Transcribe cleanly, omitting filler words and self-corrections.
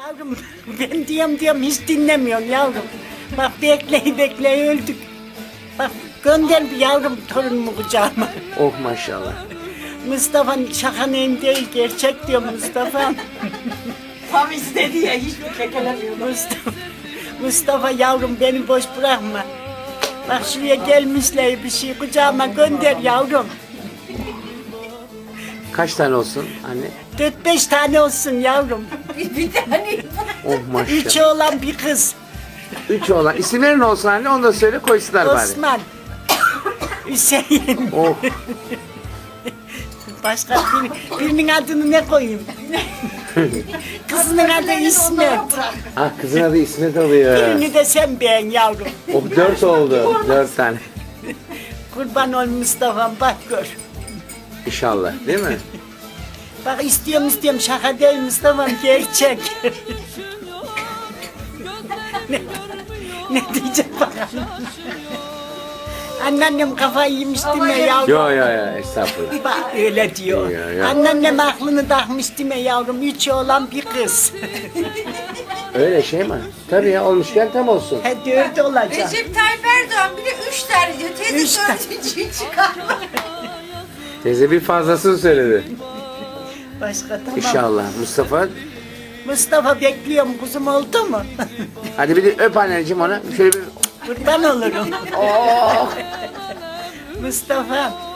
Yavrum ben diyorum hiç dinlemiyorum yavrum. Bak bekleyi öldük. Bak gönder bir yavrum torunumu kucağıma. Oh maşallah. Mustafa şaka neyim değil gerçek diyor Mustafa. Tam istedi ya hiç kekelemiyor. Mustafa yavrum beni boş bırakma. Bak şuraya gelmişler bir şey kucağıma gönder yavrum. Kaç tane olsun anne? 4-5 tane olsun yavrum. Bir tane. Oh maşallah. 3 oğlan bir kız. 3 olan. İsimleri ne olsun anne? Onu da söyle koysunlar bari. Osman. Hüseyin. Oh. Başka birinin adını ne koyayım? Kızının adı İsmet. Ah kızın adı İsmet oluyor. Birini de sen beğen yavrum. Oh 4 oldu. 4 tane. Kurban ol Mustafa'm bak gör. İnşallah değil mi? Bak istiyorum şaka değil Mustafa'm gerçek. ne diyecek bakalım. Anneannem kafayı yemiş değil mi yavrum? Yo estağfurullah. Bak öyle diyor. Ya. Anneannem aklını takmış değil mi yavrum? 3 oğlan bir kız. Öyle şey mi? Tabii ya olmuşken tam olsun. He 4 olacak. Recep Tayyip Erdoğan bir de 3 tane diyor. Üç Teyze tane. 4'üncüyü çıkarma. Teyze bir fazlasını söyledi. Başka tamam. İnşallah. Mustafa bekliyorum kuzum oldu mu? Hadi bir de öp anneciğim ona. Şöyle bir... Kurban olurum. Oh. Mustafa